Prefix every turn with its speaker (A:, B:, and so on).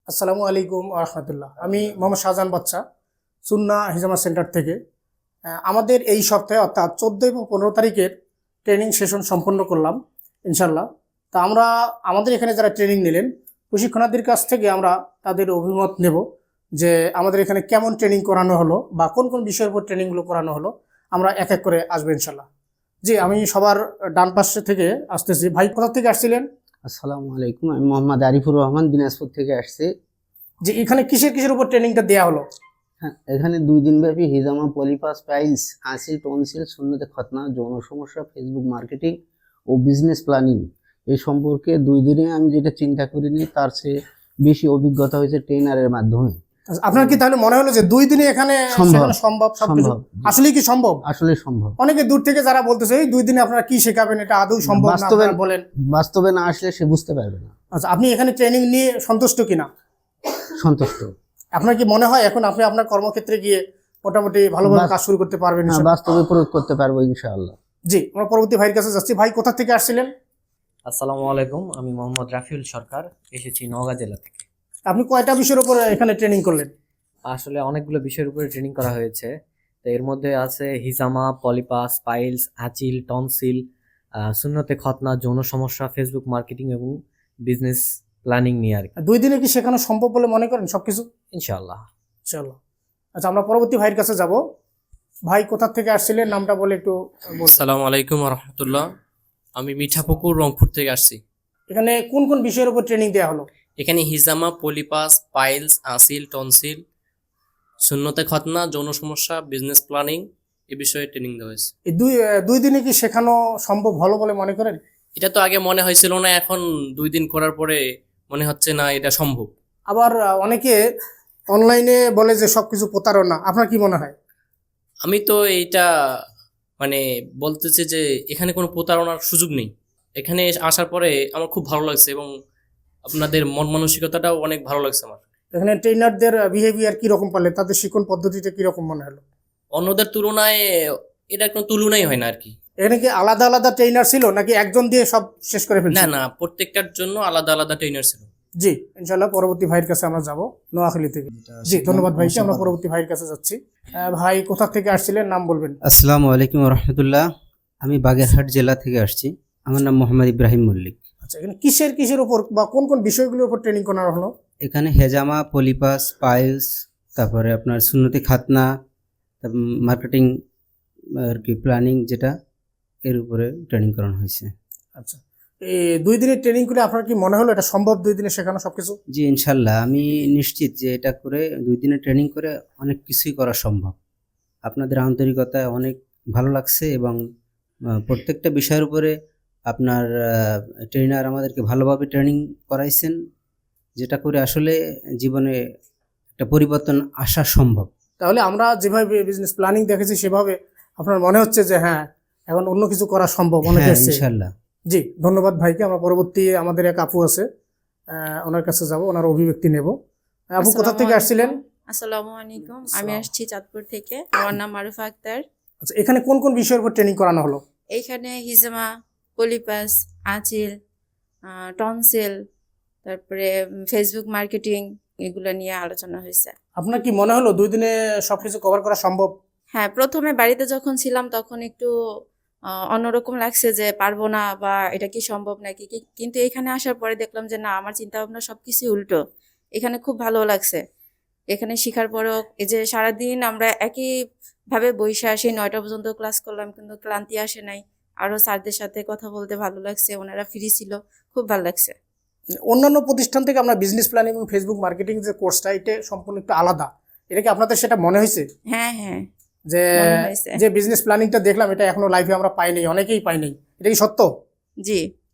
A: আসসালামু আলাইকুম রহমতুল্লাহ। আমি মোহাম্মদ শাহজাহান বাচ্চা, সুন্না হিজামা সেন্টার থেকে। আমাদের এই সপ্তাহে অর্থাৎ 14 এবং 15 তারিখের ট্রেনিং সেশন সম্পন্ন করলাম ইনশাল্লাহ। তা আমরা আমাদের এখানে যারা ট্রেনিং নিলেন প্রশিক্ষণার্থীর কাছ থেকে আমরা তাদের অভিমত নেব যে আমাদের এখানে কেমন ট্রেনিং করানো হলো বা কোন কোন বিষয়ের উপর ট্রেনিংগুলো করানো হলো। আমরা এক এক করে আসবো ইনশাল্লাহ। জি, আমি সবার ডান পাশে থেকে আসতেছি। ভাই কোথা থেকে আসছিলেন?
B: আসসালামু আলাইকুম, আমি মোহাম্মদ আরিফুর রহমান দিনাজপুর থেকে আসছি।
A: যে এখানে কিসের কিসের উপর ট্রেনিংটা দেওয়া হলো?
B: হ্যাঁ, এখানে 2 দিন ব্যাপী হিজামা, পলিপাস, পাইলস, আসিল, টনসিল, সুন্নতে খতনা, যৌন সমস্যা, ফেসবুক মার্কেটিং ও বিজনেস প্ল্যানিং এই সম্পর্কে 2 দিনে আমি যেটা চিন্তা করিনি তার চেয়ে বেশি অভিজ্ঞতা হয়েছে ট্রেনারের মাধ্যমে।
A: আপনার কি তাহলে মনে হলো যে 2 দিনে এখানে শেখানো সম্ভব? সবকিছু আসলে কি সম্ভব?
B: আসলে সম্ভব।
A: অনেকে দূর থেকে যারা বলতেছে এই 2 দিনে আপনারা কি শেখাবেন, এটা আদৌ সম্ভব না, আপনারা বলেন।
B: বাস্তবে না আসলে সে বুঝতে পারবে না।
A: আচ্ছা, আপনি এখানে ট্রেনিং নিয়ে সন্তুষ্ট কিনা?
B: সন্তুষ্ট।
A: আপনার কি মনে হয় এখন আপনি আপনার কর্মক্ষেত্রে গিয়ে মোটামুটি ভালোভাবে কাজ শুরু করতে পারবেন?
B: বাস্তবে প্রয়োগ করতে পারবো ইনশাআল্লাহ।
A: জি, আমরা পরবর্তী ভাইয়ের কাছে যাচ্ছি। ভাই কোথা থেকে আসছিলেন?
C: আসসালামু আলাইকুম, আমি মোহাম্মদ রাফিউল সরকার, এসেছি নওগাঁ জেলা থেকে।
A: আপনি কয়টা বিষয়ের উপর এখানে ট্রেনিং করলেন?
C: আসলে অনেকগুলো বিষয়ের উপরে ট্রেনিং করা হয়েছে। তো এর মধ্যে আছে হিজামা, পলিপাস, পাইলস, আচিল, টনসিল, সুন্নতে খতনা, যৌন সমস্যা, ফেসবুক মার্কেটিং এবং বিজনেস প্ল্যানিং নিয়ে আর কি।
A: 2 দিনে কি শেখানো সম্ভব বলে মনে করেন সবকিছু?
C: ইনশাআল্লাহ।
A: চলো, আচ্ছা আমরা পরবর্তী ভাইয়ের কাছে যাব। ভাই কোথা থেকে আসছিলেন, নামটা বলে একটু বলুন।
D: আসসালামু আলাইকুম রহমতুল্লাহ, আমি মিঠাপুকুর রংপুর থেকে আসছি।
A: এখানে কোন কোন বিষয়ের উপর ট্রেনিং দেওয়া হলো?
D: এখানে হিজামা, পলিপাস, পাইলস, আসিল, টনসিল, সুন্নতে খতনা, যৌন সমস্যা, বিজনেস প্ল্যানিং এ বিষয়ে ট্রেনিং দেওয়া হয়েছে।
A: এই দুই দিনে কি শেখানো সম্ভব হলো বলে মনে করেন?
D: এটা তো আগে মনে হয়েছিল না, এখন 2 দিন করার পরে মনে হচ্ছে না এটা সম্ভব।
A: আবার অনেকে অনলাইনে বলে যে সবকিছু প্রতারণা, আপনার কি মনে হয়?
D: আমি তো এইটা মানে বলতেছি যে এখানে কোনো প্রতারণার সুযোগ নেই। এখানে আসার পরে আমার খুব ভালো লাগছে এবং আপনাদের মন মানসিকতাটাও অনেক ভালো লাগছে আমার।
A: এখানে ট্রেনারদের বিহেভিয়ার কি রকম পারলেন, তাদের শিক্ষণ পদ্ধতিটা কি রকম মনে হলো?
D: অন্যদের তুলনায় এটা কোনো তুলনাই হয় না আর কি।
A: এখানে কি আলাদা আলাদা ট্রেনার ছিল নাকি একজন দিয়ে সব শেষ করে ফেলছে?
D: না না, প্রত্যেকটার জন্য আলাদা আলাদা ট্রেনার ছিল।
A: জি, ইনশাআল্লাহ পরবর্তী ভাইয়ের কাছে আমরা যাব, নোয়াখালী থেকে। জি, ধন্যবাদ ভাইকে। আমরা পরবর্তী ভাইয়ের কাছে যাচ্ছি। ভাই কোথা থেকে আসছিলেন, নাম বলবেন?
B: আসসালামু আলাইকুম রহমতুল্লাহ, আমি বাগেরহাট জেলা থেকে আসছি। আমার নাম মোহাম্মদ ইব্রাহিম মল্লিক।
A: আচ্ছা, এখানে কিসের উপর বা কোন কোন বিষয়গুলোর উপর ট্রেনিং করানো হলো?
B: এখানে হেজামা, পলিপাস, পাইলস, তারপরে আপনার সুন্নতি খাতনা, মার্কেটিং আর কি প্ল্যানিং, যেটা এর উপরে ট্রেনিং করানো হয়েছে।
A: আচ্ছা, এই 2 দিনের ট্রেনিং করে আপনার কি মনে হলো এটা সম্ভব 2 দিনে শেখানো সবকিছু?
B: জি ইনশাল্লাহ, আমি নিশ্চিত যে এটা করে 2 দিনের ট্রেনিং করে অনেক কিছুই করা সম্ভব। আপনাদের আন্তরিকতায় অনেক ভালো লাগছে এবং প্রত্যেকটা বিষয়ের উপরে আপনার ট্রেনার আমাদেরকে ভালোভাবে ট্রেনিং করাইছেন, যেটা করে আসলে জীবনে একটা পরিবর্তন আসা সম্ভব।
A: তাহলে আমরা যেভাবে বিজনেস প্ল্যানিং দেখেছি সেভাবে আপনার মনে হচ্ছে যে হ্যাঁ এখন অন্য কিছু করা সম্ভব অনেক
B: হ্যাঁ
A: আছে
B: ইনশাল্লাহ।
A: জি, ধন্যবাদ ভাইকে। আমরা পরবর্তী আমাদের এক আপু আছে, ওনার কাছে যাব, ওনার অভিব্যক্তি নেব। আপু কোথা থেকে আসছিলেন?
E: আসসালামু আলাইকুম, আমি আসছি চাঁদপুর থেকে। আমার নাম মারুফা আক্তার।
A: আচ্ছা, এখানে কোন কোন বিষয়ের উপর ট্রেনিং করানো হলো?
E: এইখানে হিজামা, পলিপাস, আঁচিল, টনসিল, তারপরে ফেসবুক মার্কেটিং এগুলো নিয়ে আলোচনা হয়েছে।
A: আপনার কি মনে হলো 2 দিনে সবকিছু কভার করা সম্ভব?
E: হ্যাঁ, প্রথমে বাড়িতে যখন ছিলাম তখন একটু অন্যরকম লাগছে যে পারবো না বা এটা কি সম্ভব নাকি, কিন্তু এখানে আসার পরে দেখলাম যে না, আমার চিন্তা ভাবনা সবকিছু উল্টো। এখানে খুব ভালো লাগছে। এখানে শেখার পরেও এই যে সারাদিন আমরা একইভাবে বসে আসি, 9টা পর্যন্ত ক্লাস করলাম, কিন্তু ক্লান্তি আসে নাই। আরো স্যারদের সাথে কথা বলতে ভালো লাগছে, ওনারা ফ্রি ছিল, খুব ভালো লাগছে।
A: অন্যান্য প্রতিষ্ঠান থেকে আমরা বিজনেস প্ল্যানিং এবং ফেসবুক মার্কেটিং যে কোর্সটা, এটা সম্পূর্ণ একটু আলাদা। এটা কি আপনাদের সেটা মনে হয়েছে?
E: হ্যাঁ হ্যাঁ,
A: যে
E: মনে হয়েছে।
A: যে বিজনেস প্ল্যানিংটা দেখলাম এটা এখনো লাইফে আমরা পাইনি, অনেকেই পাইনি, এটা কি সত্য?
E: জি।